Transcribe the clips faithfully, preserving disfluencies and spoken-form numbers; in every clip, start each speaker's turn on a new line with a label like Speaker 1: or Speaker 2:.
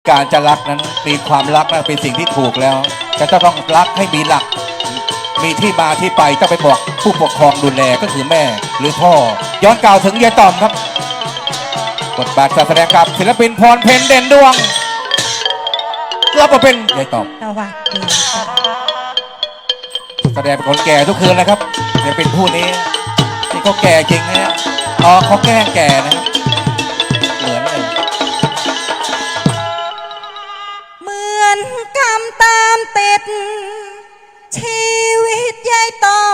Speaker 1: การจะรักนั้นมีความรักนั้นเป็นสิ่งที่ถูกแล้วแต่จะต้องรักให้มีหลักมีที่มาที่ไปต้องไปบอกผู้ปกครองดูแลก็คือแม่หรือพ่อย้อนกล่าวถึงยายต่อมครับบทบาทการแสดงกับศิลปินพรเพ็ญเด่นดวงรับบทเป็นยายต่อม
Speaker 2: สวัสดีค่ะ
Speaker 1: แสดงเป็นคนแก่ทุกคืนนะครับจะเป็นผู้นี้ที่เขาแก่จริงนะอ๋อเขาแก้แก่นะครับเหมือนเลย
Speaker 2: เหมือนกรรมตามติดชีวิตยายต่อม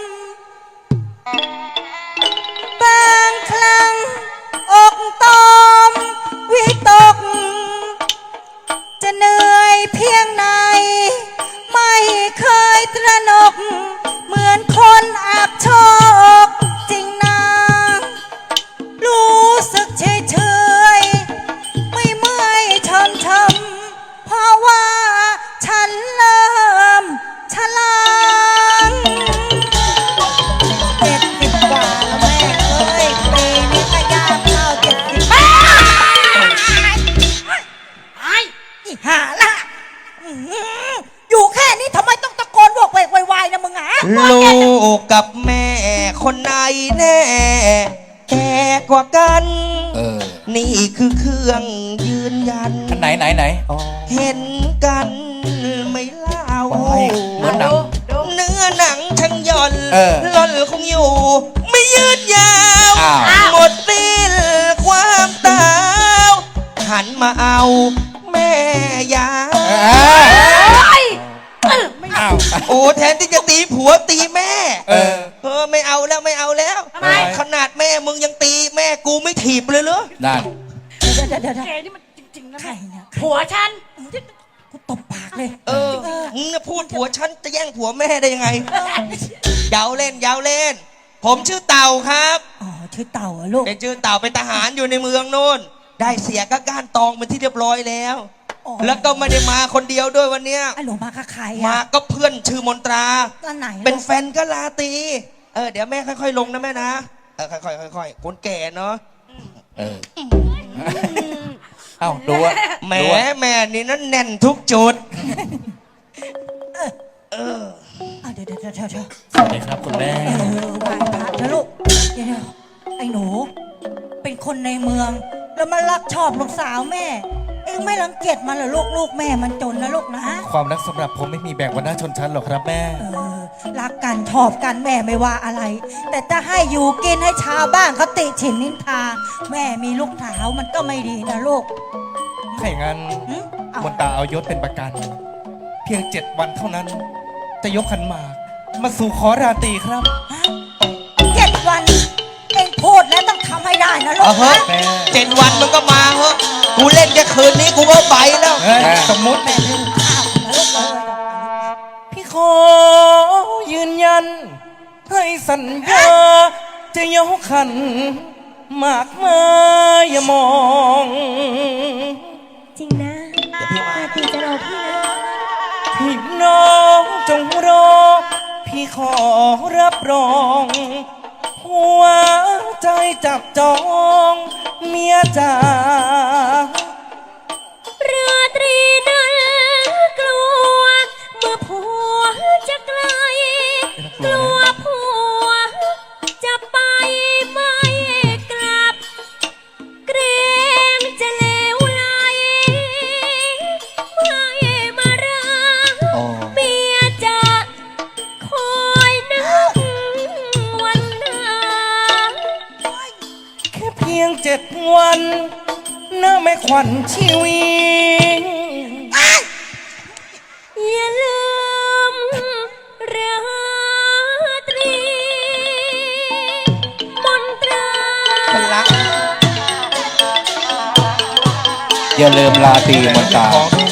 Speaker 2: บางครั้งอกตอมวิตกจะเหนื่อยเพียงไหนไม่เคยตระหนกเหมือนคนอับโชคจริงนะรู้สึกเฉยเฉยไม่เมื่อยชมชมเพราะว่าฉันเริ่มชราเจ็ดสิบกว่าแล้วแม่เอ้ยปีนี้ก็ย่างเข้าเจ็ดสิบไอ้อีห่าละอยู่แค่นี้ทำไมต้องตะโกนโวกเวกวายๆนะมึงอ่ะ
Speaker 3: ลูกกับแม่คนไหนแน่แก่กว่ากัน
Speaker 1: เออ
Speaker 3: นี่คือเครื่องยืนยัน
Speaker 1: อันไหนไหนไหนอ๋อ
Speaker 3: เห็นกันไม่เล่า
Speaker 1: เนื้อหนัง
Speaker 3: เนื้อหนังช่างย่อน
Speaker 1: ห
Speaker 3: ล่อนคงอยู่ไม่ยืดยาวหมดสิ้นความตาวหันมาเอาแม่ยาโอ้แทนที่จะตีผัวตีแม่เออเออไม่เอาแล้วไม่เอาแล้วทำไมขนาดแม่มึงยังตีแม่กูไม่ถีบเลยเหรอ
Speaker 1: นั่น
Speaker 2: เดี๋ยวเดี๋ยวเดี๋ยวแก
Speaker 4: นี่มันจริงๆนะ
Speaker 2: ใครเนี่ย
Speaker 4: ผัวฉัน
Speaker 2: กูตบปากเลย
Speaker 3: เออมึงพูดผัวฉันจะแย่งผัวแม่ได้ยังไงยาวเล่นยาวเล่นผมชื่อเต่าครับ
Speaker 2: อ๋อชื่อเต่าลูก
Speaker 3: เป็นชื่อเต่าเป็นทหารอยู่ในเมืองโน่นได้เสียก็ก้านตองเป็นที่เรียบร้อยแล้วแล้วก็ไม่ได้มาคนเดียวด้วยวันเนี้ย
Speaker 2: ไอ้หนูมากับใคร
Speaker 3: มาก็เพื่อนชื่อมนตรา
Speaker 2: อันไหน
Speaker 3: เป็นแฟนก็ลาตีเออเดี๋ยวแม่ค่อยๆลงนะแม่นะเออค่อยๆค่อยๆคนแก่เนาะ
Speaker 1: เออเอ้าดูว่า
Speaker 3: แม่แม่นี่นั่นแน่นทุกจุด
Speaker 2: เออเดี๋ยวเดี๋ยวเดี๋ยวเดี๋ยว
Speaker 1: สวัสดีครับคุณแม่
Speaker 2: เออไหว้พระนะลูกเดี๋ยวไอ้หนูเป็นคนในเมืองแล้วมันรักชอบลูกสาวแม่เองไม่รังเกียจมันเหรอลูกลูกแม่มันจนนะลูกนะ
Speaker 1: ความรักสำหรับผมไม่มีแบ่งวรรณะชนชั้นหรอกครับแม่
Speaker 2: เออรักกันชอบกันแม่ไม่ว่าอะไรแต่จะให้อยู่กินให้ชาวบ้านเขาติฉินนินทาแม่มีลูกสาวมันก็ไม่ดีนะลูก
Speaker 1: ถ้าอย่างนั้นมนตาเอายศเป็นประกันเพียงเจ็ดวันเท่านั้นจะยกขันหมากมาสู่ขอราตรีครับ
Speaker 2: เจ็ดวันเองพูดแล้วต้องทำให้ได้นะลูกนะ
Speaker 3: เจ็ดวันมันก็มาเหอะกูเล่นแค่คืนนี้กูก็ไปแล้ว
Speaker 1: สมมุติ
Speaker 2: แม่เล่นข้าวนะลูกเลย
Speaker 1: พี่ขอยืนยันให้สัญญาจะยกขันหมากมาอย่ามอง
Speaker 5: จริงนะราตรีจะรอพี่นะ
Speaker 1: พี่น้องจงรอพี่ขอรับรองหัวใจจับจองเมียจ๋า
Speaker 5: ราตรีนั้นกลัวเมื่อผัวจะไกลกลัวผัวจะไปไม่กลับเกรงจะเลวไหลไม่มารักเมียจะคอยนึกวันหน้า
Speaker 1: แค่เพียงเจ็ดวันน่าไม่ขวัญชีวิต
Speaker 5: อย่าลืมราตรีมนตรา
Speaker 1: อย่าลืมราตรีมนตรา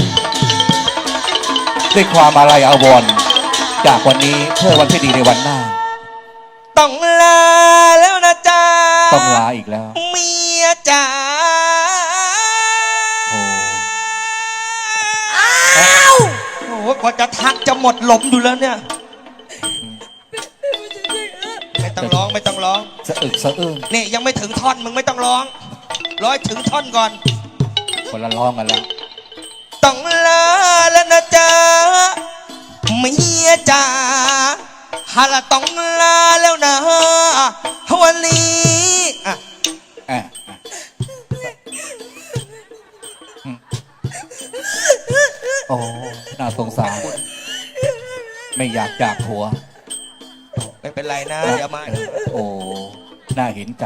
Speaker 1: ด้วยความอาลัยอาวรณ์จากวันนี้เพื่อวันที่ดีในวันหน้า
Speaker 3: ต้องลาแล้วนะจ๊ะ
Speaker 1: ต้องลาอีกแล้ว
Speaker 3: เมียจ๋า
Speaker 1: โอ้
Speaker 3: อ้าวโอ้กว่าจะทักจะหมดหลมอยู่แล้วเนี่ยไม่ต้องร้องไม่ต้องร้อง
Speaker 1: สะอึกสะอื้น
Speaker 3: นี่ยังไม่ถึงท่อนมึงไม่ต้องร้องร้อยถึงท่อนก่อน
Speaker 1: คนละร้องกันแล้ว
Speaker 3: จ๋าเมียจ๋าฮาละต้องลาแล้วนะวันนี้อ่ะ
Speaker 1: อ่ะอ่ะอืมโอ้น่าสงสาร ไม่อยากจากผัว
Speaker 3: ไม่เป็นไรนะเดี๋ยวมา
Speaker 1: โอ้ น่าเห็นใจ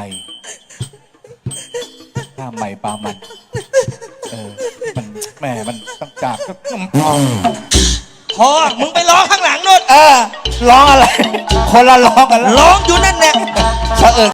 Speaker 1: ข้าใหม่ปลามัน เออ มันแม่มันต้องจากก็
Speaker 3: พอมึงไปร้องข้างหลังโนู่น
Speaker 1: เออ ร้องอะไร คนละร้องกันแล้ว
Speaker 3: ร้องอยู่นั่นแหละ
Speaker 1: เผอิญ